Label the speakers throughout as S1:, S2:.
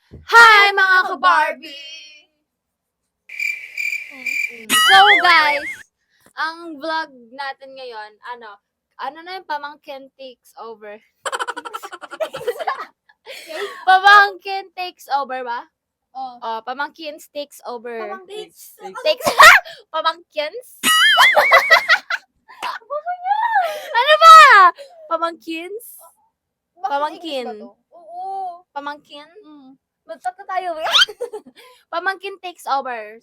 S1: Hi mga ka-Barbie! So guys, ang vlog natin ngayon, ano na yung pamangkin takes over? Pamangkin takes over ba?
S2: Oh.
S1: Oh, pamangkins takes over.
S2: Pamangkins?
S1: Takes pamangkins? Ano ba? Pamangkins? Pamangkin.
S2: Oo.
S1: Pamangkin?
S2: Magtat na tayo.
S1: Pamangkin takes over.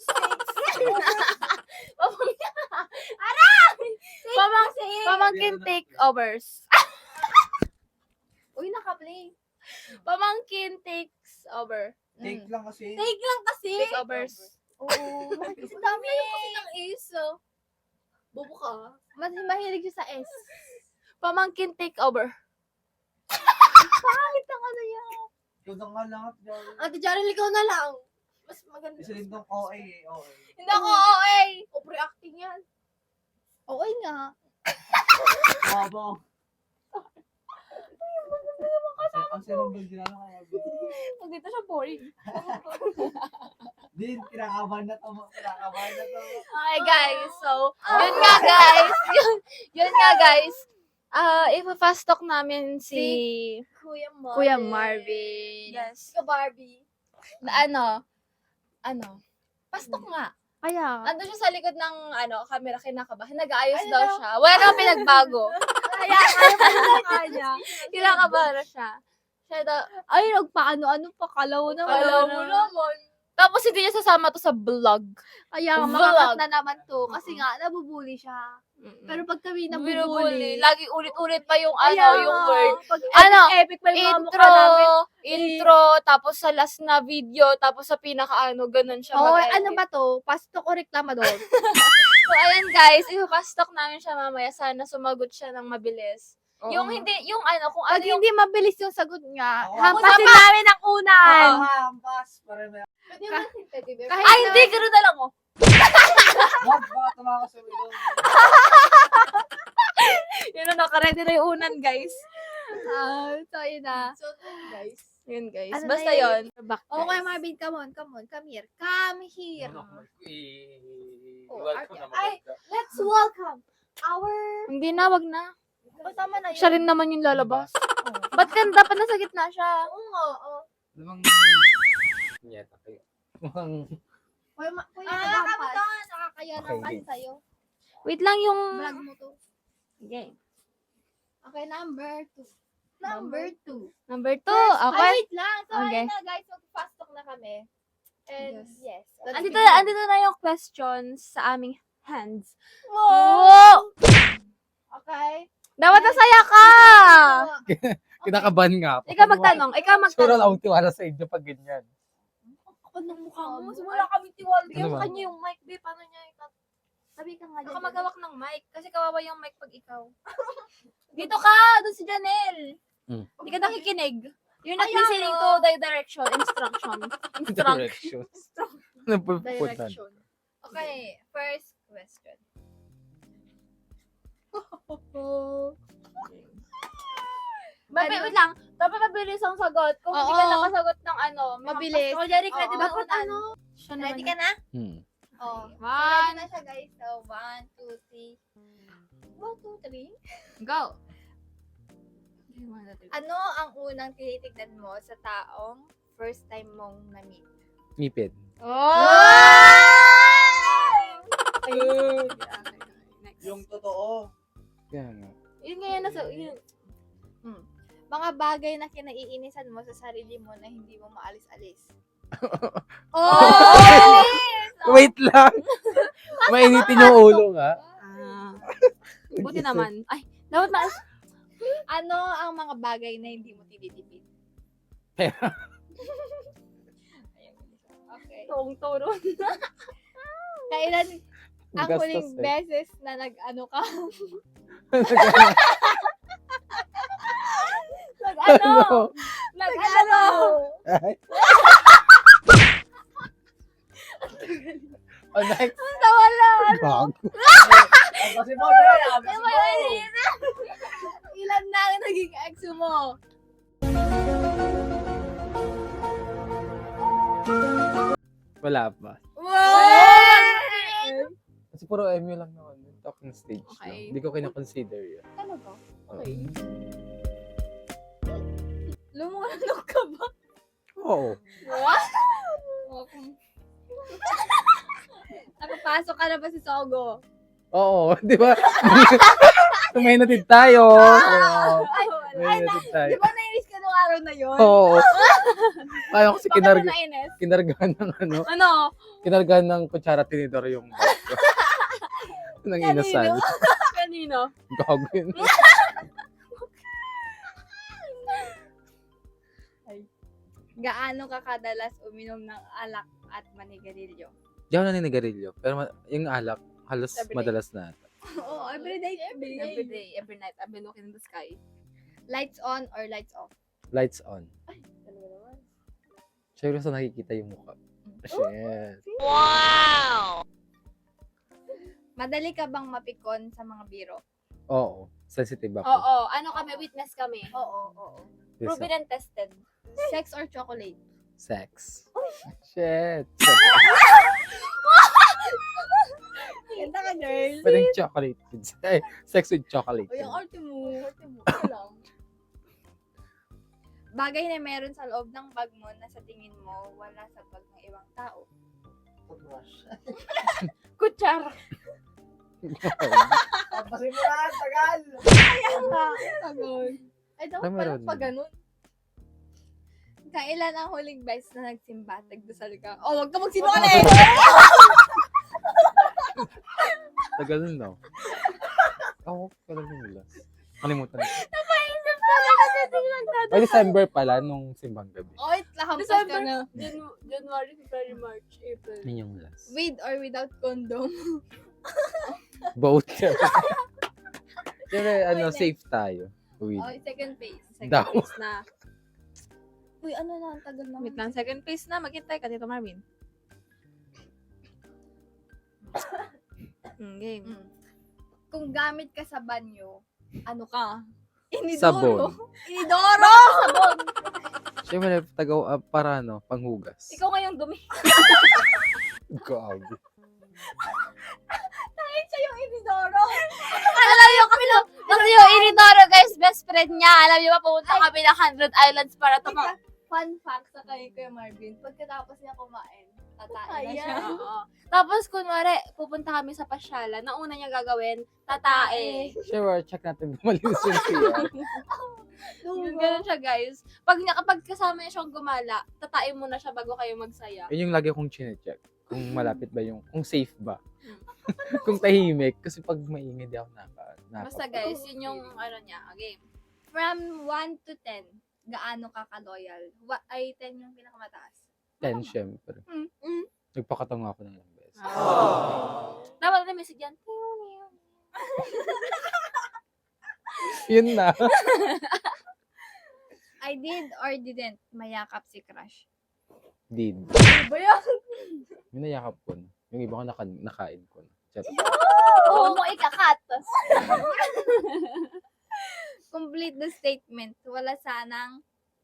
S1: Pamangkin takeovers.
S2: Uy, naka-play.
S1: Pamangkin takes over.
S3: Take lang kasi.
S2: Take lang kasi.
S1: Takeovers.
S2: Oo. Kasi dami kasi ng S. Bobo ka. Mas mahilig siya sa S.
S1: Pamangkin takeover.
S2: Pangit ang ano yan.
S3: Ikaw na nga lahat.
S2: Ate Jarel, ikaw na lang. Mas maganda.
S3: Isa din ng OA eh. OA.
S2: Hindi ako OA. Overreacting yan. OA nga.
S3: Babo. Ang sinunggol din ano kaya.
S2: Pag dito siya boring.
S3: Din, kinakabahan na to. Kinakabahan na to.
S1: Okay guys, so, yun nga guys. Ipa-fast talk namin si Kuya Marvin.
S2: Yes. Ka Barbie.
S1: Na pastok nga.
S2: Kaya.
S1: Ando siya sa likod ng camera, kinakabahan. Nag-aayos daw siya. Wala naman pinagbago.
S2: Kaya kanya.
S1: Kinakabahan na siya. Siya daw,
S2: Ay, nagpaano-ano pa. Kalaw na.
S1: Kalaw mo naman. Tapos hindi niya sasama to sa vlog.
S2: Kaya
S1: Vlog.
S2: makakat na naman to. Kasi nga, nabubuli siya. Pero pag kami
S1: Binubuli.
S2: nabubuli.
S1: Lagi ulit-ulit pa yung
S2: Kaya
S1: yung
S2: nga,
S1: word.
S2: Pag epic pa yung mga mukha
S1: Intro,
S2: namin.
S1: tapos sa last na video, tapos sa ganun siya
S2: Oo,
S1: mag-edit.
S2: ano ba to? Pastok o reklamador?
S1: So, ayan guys, ipapastok namin siya mamaya. Sana sumagot siya ng mabilis. Yung hindi, kung
S2: Pag
S1: ano yung...
S2: hindi mabilis yung sagot nga,
S3: Oo.
S2: hampasin namin ang unan.
S3: Hampas. Para may...
S2: Kahit
S1: Ay, hindi, gano'n na lang, oh.
S3: Wag ba? Tumakas sa wilong.
S1: Yun na, nakaredy na yung unan, guys.
S2: So, yun na.
S4: So, guys.
S1: Yun, guys.
S2: Ano
S1: Basta
S2: na
S1: yun.
S2: yun?
S1: Back,
S2: Okay,
S1: guys.
S2: Marvin, come on. Come here. Come here. Ay, let's welcome our...
S1: Hindi na, wag na.
S2: Oh, tama na yun.
S1: Siya rin naman yung lalabas. Ba't ka dapat nasa gitna siya?
S2: Oo nga, oo.
S3: Lamang... Nyeta kayo.
S2: Kuya, nakakaya
S3: Okay,
S2: naman
S3: game.
S2: sa'yo.
S1: Wait lang yung...
S2: Vlog mo to.
S1: Okay.
S2: Okay, number 2. Number 2.
S1: Number 2.
S2: Ay,
S1: Okay.
S2: wait lang. So,
S1: Okay.
S2: ayun na guys, mag-fast talk na kami. And, yes.
S1: Andito na yung questions sa aming hands.
S2: Wow! Okay.
S1: Dapat nasaya ka!
S3: Kinakabahan nga ako.
S1: Ikaw magtanong.
S3: Sura lang akong tiwala sa inyo pag ganyan.
S2: Kapag ng mukha mo,
S1: Wala kami tiwala.
S3: Ano
S1: Yung
S3: ba?
S1: kanya yung mic, be. Paano niya
S2: Sabi ka nga
S1: Baka
S2: dyan.
S1: maghawak ng mic. Kasi kawawa yung mic pag ikaw. Dito ka! Doon si Janelle. Hindi ka nakikinig. You're not
S2: Ayan,
S1: listening to
S2: oh.
S1: the instruction.
S3: Directions. Ano po
S2: Direction. Okay, first question.
S1: Wait lang. Dapat mabilis ang sagot. Kung hindi ka
S2: Oo.
S1: nakasagot ng
S2: Mabilis.
S1: So, Jerry,
S2: Oo.
S1: ready
S2: Dapat ano?
S1: Siya naman.
S2: Ready ka na?
S3: Hmm.
S2: Oh.
S1: Okay.
S2: Ready na siya guys. So, 1, 2, 3. 1, 2, 3.
S1: Go.
S2: Ano ang unang tinitignan mo sa taong first time mong na-meet?
S3: Ngipin.
S1: Oh! Next.
S3: Yung totoo. Kaya nga.
S1: Yun nga yan nasa... Yun.
S2: Mga bagay na kinaiinisan mo sa sarili mo na hindi mo maalis-alis.
S1: Oh!
S3: Wait lang. Mainitin yung ulo nga.
S1: Buti naman. Ay, dapat
S2: Ano ang mga bagay na hindi mo tinitipid?
S3: Pera.
S2: Okay.
S1: Turo.
S2: Kailan ang
S3: Gastos
S2: huling
S3: eh.
S2: beses na nag-ano ka?
S1: Nag-ano?
S2: Nag-ano?
S3: Ay. Oh, next.
S1: Nawala.
S3: Bago. Kasi mo,
S2: Ilan na ang naging ex mo?
S3: Wala pa.
S1: Wow!
S3: Kasi puro MU lang naman. Talking stage
S1: Okay.
S3: lang. Hindi ko kina-consider yun.
S2: Ano ba?
S1: Okay. Lumunok ka ba?
S3: Oo.
S1: What? Nakapasok ka na ba si Sogo?
S3: Oo, di ba? May natid tayo. Oo. May natid tayo.
S1: Di ba nainis ka nung araw na yun?
S3: Oo. Kaya kasi
S1: Bakit ka nainis?
S3: kinargahan ng ano,
S1: Ano?
S3: kinargahan ng kutsara tinidor yung bag ko. Nang inasal.
S1: Kanino?
S3: Gago yun.
S1: Gaano ka kadalas uminom ng alak at manigarilyo?
S3: Di ako naninigarilyo. Pero yung alak, halos
S1: Everyday.
S3: madalas na ata.
S1: Oo, everyday. Every night. I've been looking in the sky. Lights on or lights off?
S3: Lights on.
S1: Dalawa naman.
S3: Siyempre sa nakikita yung mukha. Shit.
S1: Madali ka bang mapikon sa mga biro?
S3: Oo. Sensitive ako.
S1: Oo. Ano kami? Witness kami.
S2: Oo.
S3: Yes,
S1: Proven and tested. Sex or chocolate?
S3: sex. Shit.
S1: Ganda ka, girl.
S3: Pwedeng chocolate. Sex with chocolate.
S1: O, yung arte mo.
S2: Ano lang?
S1: Bagay na meron sa loob ng bag mo na sa tingin mo wala sa bag ng ibang tao. Kutsara.
S4: Pasimulan, tagal!
S1: Agad.
S2: Ay, dapat
S3: Ay,
S2: pala
S3: meron
S2: pa
S3: din.
S2: ganun.
S1: Kailan ang huling beses na nagsimba? Nagdasal ka? Oh, wag ka magsinungaling!
S3: Tagal na. Oo, tagal na nila. Kalimutan ko.
S1: Napaisip ka na kasi hindi nagdadasal.
S3: Ay, December pala nung simbang gabi.
S1: Oy, lahampas ka
S2: December.
S1: na.
S2: January, February, March, April.
S3: Yun yung last.
S1: With or without condom?
S3: Both. Siyempre, ano,
S1: Wait,
S3: safe tayo. With.
S1: Oh, second phase. Second
S3: Daw.
S1: phase na.
S2: Uy, ano na, ang tagal na.
S1: Wait lang, second phase na. Maghintay ka dito, Marvin. Game. Kung gamit ka sa banyo, ano ka?
S3: Sabon.
S1: Inidoro! Sabon!
S3: Siyempre, para ano, panghugas.
S1: Ikaw ngayong dumi.
S3: Gabi.
S1: Kahit siya yung inidoro. Alam niyo kasi yung inidoro, guys, best friend niya. Alam niyo ba, pumunta kami ng 100 Islands para
S2: Teka, fun fact sa kay Kuya Marvin, pagkatapos niya kumain, tatain na siya.
S1: Ayan. Oo. Tapos, kunwari, pupunta kami sa pasyalan. Na una niya gagawin, tatae.
S3: Sure, check natin kung malinis yung CR.
S1: Ganun siya, guys. Kapag kasama niya siyang gumala, tatae muna siya bago kayo magsaya.
S3: Yun yung lagi kong chinecheck. Kung malapit ba yung, kung safe ba. Kung tahimik. Kasi pag maingay, di ako
S1: Basta, guys, yun yung ano niya, game. From 1 to 10, gaano ka ka-loyal? Ay, 10 yung pinakamataas.
S3: 10, syempre.
S1: Mm.
S3: Nagpakatanga ako ng ilang beses.
S1: Dapat na message yan.
S3: Yun na.
S1: I did or didn't mayakap si crush.
S3: Did.
S2: Ano ba yan?
S3: Yung nayakap ko na. Yung iba ko nakain ko na. Chat.
S1: Oo mo ikakat. Complete the statement. Wala sanang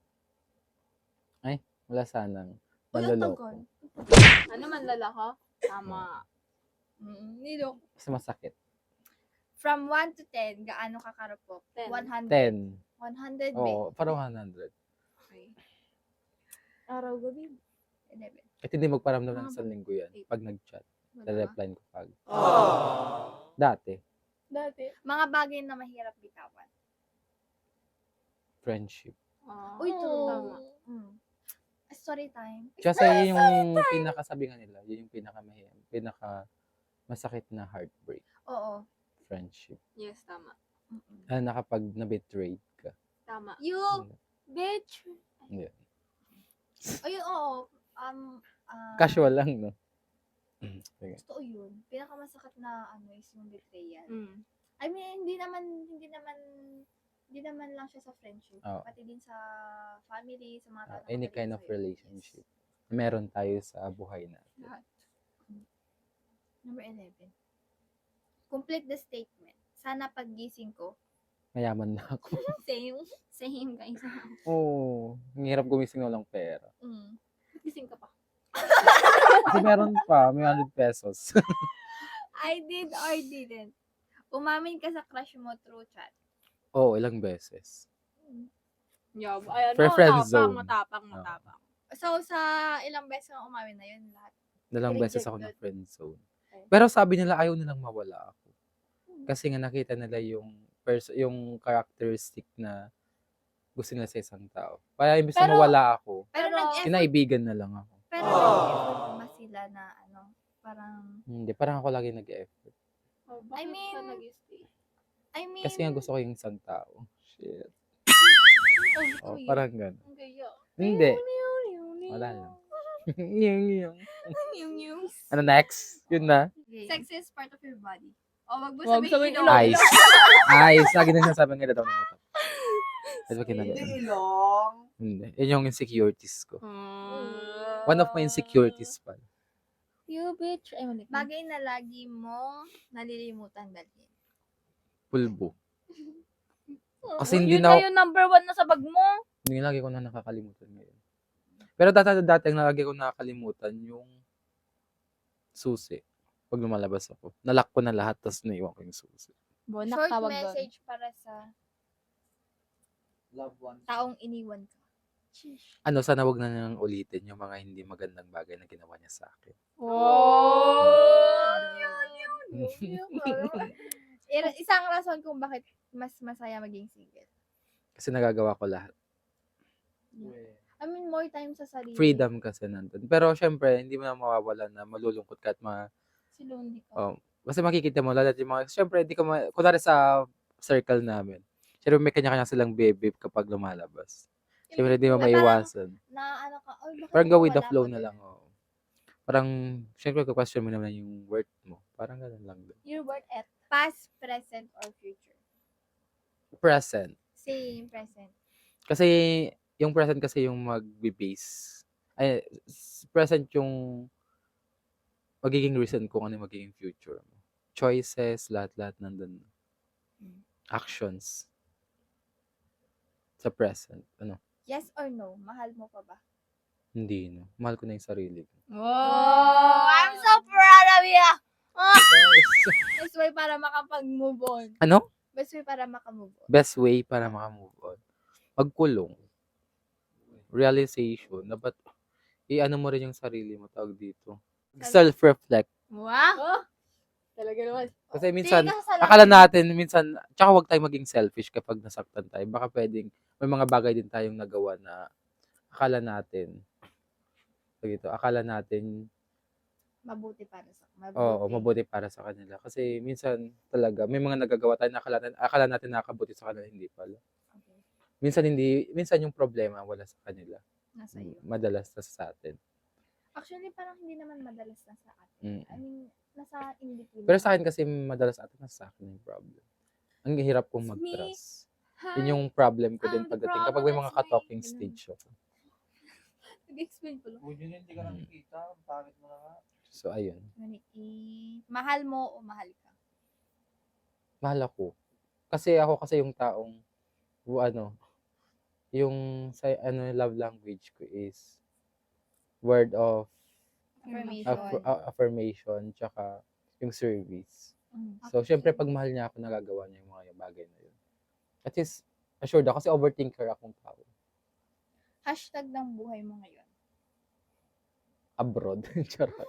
S3: Wala sanang
S2: Wala
S3: manloloko.
S2: tagal.
S1: ano man lalako? Tama. Nilo.
S3: Kasi masakit.
S1: From 1 to 10, gaano ka karupok?
S2: 10.
S3: 10.
S1: 100,
S3: Oo, parang 100.
S1: Okay.
S2: Araw gabi.
S1: 11.
S3: At hindi magparamdam ng isang linggo yan. Pag nag-chat,
S1: Wala.
S3: reply ko pag. Dati,
S2: Dati.
S1: Mga bagay na mahirap bitawan.
S3: friendship.
S2: Uy, true.
S1: Tama.
S2: Story time.
S3: Kasi yun yung pinakasabi nga nila, yun yung masakit na heartbreak.
S2: Oo.
S3: Friendship.
S1: Yes, tama.
S3: Na kapag na-betray ka.
S1: Tama.
S2: You, bitch.
S3: Yeah.
S2: Ayun, oo.
S3: Casual lang, no? Sige.
S2: Totoo yun. Pinakamasakit na ano is yung betrayal.
S1: Mm.
S2: I mean, hindi naman lang siya sa friendship.
S3: Oo.
S2: Pati din sa family, sa mga tao. na
S3: Any
S2: magaling
S3: kind of
S2: sa'yo.
S3: relationship. Meron tayo sa buhay natin.
S2: Number 11.
S1: Complete the statement. Sana paggising ko.
S3: Mayaman na ako.
S1: Same. Same, guys.
S3: Oo. Ang hirap gumising walang pera.
S1: Gising ka pa.
S3: Kasi meron pa, may 100 pesos.
S1: I did or didn't. Umamin ka sa crush mo through chat.
S3: Oo, ilang beses.
S2: Yeah, ay,
S3: For
S2: ano,
S3: friend
S2: matapang,
S3: zone.
S2: matapang,
S3: Oo.
S2: matapang.
S1: So, sa ilang beses kang umamin na yun lahat?
S3: Dalang beses ako
S1: Rejected.
S3: ng friend zone.
S2: Okay.
S3: Pero sabi nila ayaw nilang mawala ako. Kasi nga nakita nila yung characteristic na gusto nila sa isang tao. Kaya imbes na
S1: Pero-
S3: mawala ako,
S1: Pero nag-effort,
S3: kinaibigan na lang ako.
S1: pero nag-effort ba sila na ano, parang,
S3: Hindi, parang ako lagi nag-effort.
S2: Oh, bakit
S1: I mean-
S2: ka nag-stay?
S1: I mean,
S3: Kasi nga gusto ko yung isang tao. Shit.
S1: oh,
S3: Oh, parang gano'n.
S2: Ang gaya.
S3: Hindi. Wala lang. yung.
S1: yung
S3: Ano next? Yun na.
S1: sex is part of your body. O, wag mo
S2: Wag
S1: sabihin
S2: sabihin
S1: ilong.
S2: ilong.
S3: Ice. Ice. Lagi na sinasabi nga daw ng mata. Kasi ba
S4: Hindi
S3: kinagawa?
S4: ilong.
S3: Hindi. Yun yung insecurities ko.
S2: Hmm.
S3: One of my insecurities pa.
S2: You bitch. Ay, mali.
S1: Bagay na lagi mo nalilimutan dalhin.
S3: Pulbo.
S2: Oh,
S3: Kasi hindi
S2: yun
S3: na
S2: na yung number 1 na sa bag mo.
S3: Hindi lagi ko na nakakalimutan ngayon. Pero dati ang lagi ko nakakalimutan yung susi. Pag lumalabas ako. Nalock ko na lahat tapos naiwan ko yung susi.
S2: Bonak
S1: Short
S2: tawag doon.
S1: message para sa
S4: Love one.
S1: taong iniwan ka.
S3: Ano, sana wag na nang ulitin yung mga hindi magandang bagay na ginawa niya sa akin.
S2: Oh!
S1: Isang rason kung bakit mas masaya maging single.
S3: Kasi nagagawa ko lahat.
S1: I mean, more time sa sarili.
S3: Freedom kasi nandun. Pero syempre, hindi mo na mawawala na malulungkot ka at
S1: Si lonely ka.
S3: oh, kasi makikita mo lahat yung mga, syempre, hindi ka kunwari sa circle namin. Syempre, may kanya-kanya silang baby kapag lumalabas. Syempre, hindi mo
S1: Ay,
S3: maiwasan.
S1: Na ano ka, oh, bakit
S3: Parang go with the
S1: wala
S3: flow
S1: ka
S3: na
S1: dun?
S3: lang. Oh. Parang, syempre, question mo naman yung worth mo. Parang ganun lang din.
S1: Your worth at past, present, or future.
S3: Present.
S1: Same, present.
S3: Kasi, yung present kasi yung magbe-base. Ay, present yung magiging reason kung ano yung magiging future mo. Choices, lahat-lahat nandun. Actions. Sa present. Ano?
S1: Yes or no? Mahal mo pa ba?
S3: Hindi, no. Mahal ko na yung sarili ko.
S2: Oh!
S1: I'm so proud of you! Best way para makapag-move on.
S3: Ano?
S1: Best way para makamove on.
S3: Best way para makamove on. Magkulong. Realization. Dapat, i-ano mo rin yung sarili mo, tawag dito. Self-reflect.
S1: Wow!
S2: Talaga naman.
S3: Kasi minsan,
S1: Di ka kasalanan.
S3: akala natin, minsan, tsaka huwag tayong maging selfish kapag nasaktan tayo. Baka pwedeng, may mga bagay din tayong nagawa na akala natin,
S1: Mabuti para sa
S3: mabuti para sa kanila. Kasi minsan talaga, may mga nagagawa tayo na akala natin nakakabuti sa kanila, hindi pala.
S1: Okay.
S3: Minsan yung problema wala sa kanila.
S1: Nasa iyo.
S3: Madalas na sa atin.
S1: Actually, parang hindi naman madalas na sa atin.
S3: Mm.
S1: I mean, nasa in between.
S3: Pero sa akin kasi madalas atin nasa akin yung problem. Ang hirap kong
S1: It's me.
S3: mag-trust. Yun yung problem ko din
S1: I'm the
S3: pagdating kapag may
S1: problem,
S3: mga
S1: it's me.
S3: ka-talking
S1: Ganun.
S3: stage ako.
S1: Nag-explain ko lang.
S4: Kung yun hindi ka nakikita, ang pangit mo na nga.
S3: So ayun,
S1: Mahal mo o mahal ka?
S3: mahal ako. Kasi ako yung taong yung sa love language ko is word of
S1: Affirmation.
S3: affirmation tsaka yung service.
S1: Mm.
S3: So, syempre, pag mahal niya ako, nagagawa niya yung mga bagay na yun. At least, assured ako, kasi overthinker akong tao.
S1: Hashtag ng buhay mo ngayon.
S3: Abroad. Charot.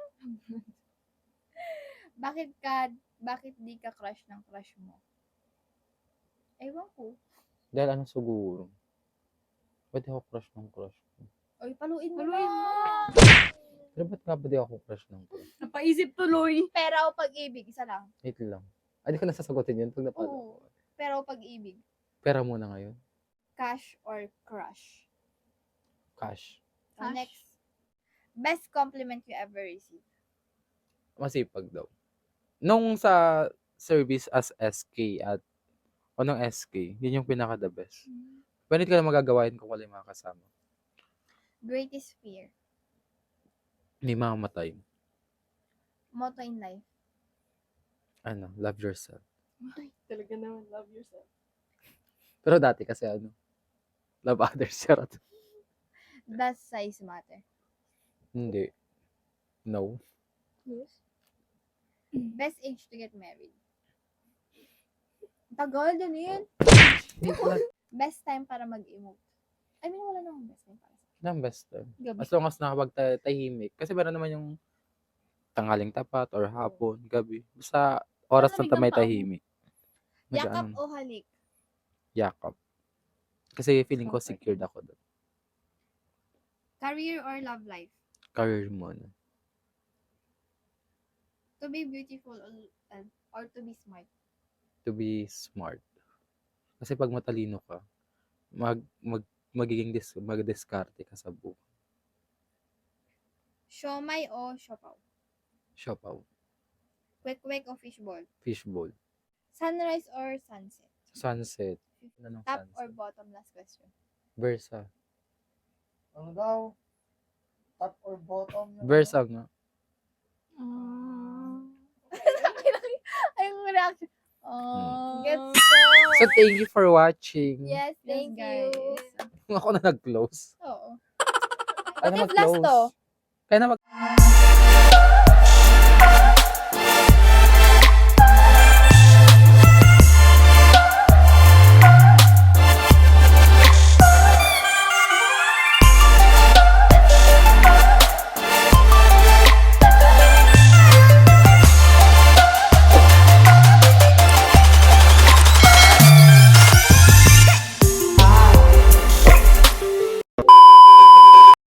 S1: Bakit di ka crush ng crush mo? Ewan ko.
S3: Dahil ano siguro? Ba't di ako crush ng crush ko?
S1: Oy, paluin mo
S2: Paluin
S1: na.
S3: Pero ba't nga ba di ako crush ng crush?
S2: Napaisip tuloy.
S1: Pera o pag-ibig? Isa lang.
S3: Wait lang. Ay, di ko nasasagutin yun pag napala.
S1: Oo. Pera o pag-ibig?
S3: Pera muna ngayon.
S1: Cash or crush?
S3: Cash.
S1: So,
S2: Cash.
S1: next. Best compliment you ever received?
S3: Masipag daw. Nung sa service as SK nung SK, yun yung pinaka the best. Pwede ka na magagawain kung wala yung mga kasama.
S1: Greatest fear?
S3: May mamamatay.
S1: Motto in life?
S3: Love yourself.
S2: Ay, talaga naman. Love yourself.
S3: Pero dati kasi love others. Charot.
S1: Does size matter?
S3: Hindi. No.
S2: Yes. Best age to get married. Tagal din yun. Best time para mag-emote. I mean, wala namang best time para sa
S3: Ang best time.
S2: gabi.
S3: As long as nakapagtahimik. Kasi meron naman yung tanghaling tapat or hapon, gabi. Basta oras
S2: Ano
S3: na may
S2: biglang
S3: tahimik.
S2: Yakap
S3: Nag-ano,
S2: o halik?
S3: yakap. Kasi feeling ko
S2: Comfort.
S3: secured ako doon.
S2: Career or love life?
S3: Career muna.
S2: To be beautiful or to be smart?
S3: To be smart. Kasi pag matalino ka, mag-diskarte ka sa buhay.
S2: Siomay o siopaw?
S3: Siopaw.
S2: Kwek-kwek o fishball?
S3: Fishball.
S2: Sunrise or sunset?
S3: Sunset. Ano ng
S2: Top or
S3: sunset?
S2: bottom? Last question.
S3: Versa.
S4: Ano daw? Top or bottom?
S3: Versa nga.
S2: Ay, yung reaction. Gets
S3: So, thank you for watching.
S2: Yes, thank you.
S3: Ako na nag-close.
S2: Oo.
S3: Kaya na
S2: What if last
S3: mag-close.
S2: to?
S3: Kaya na mag-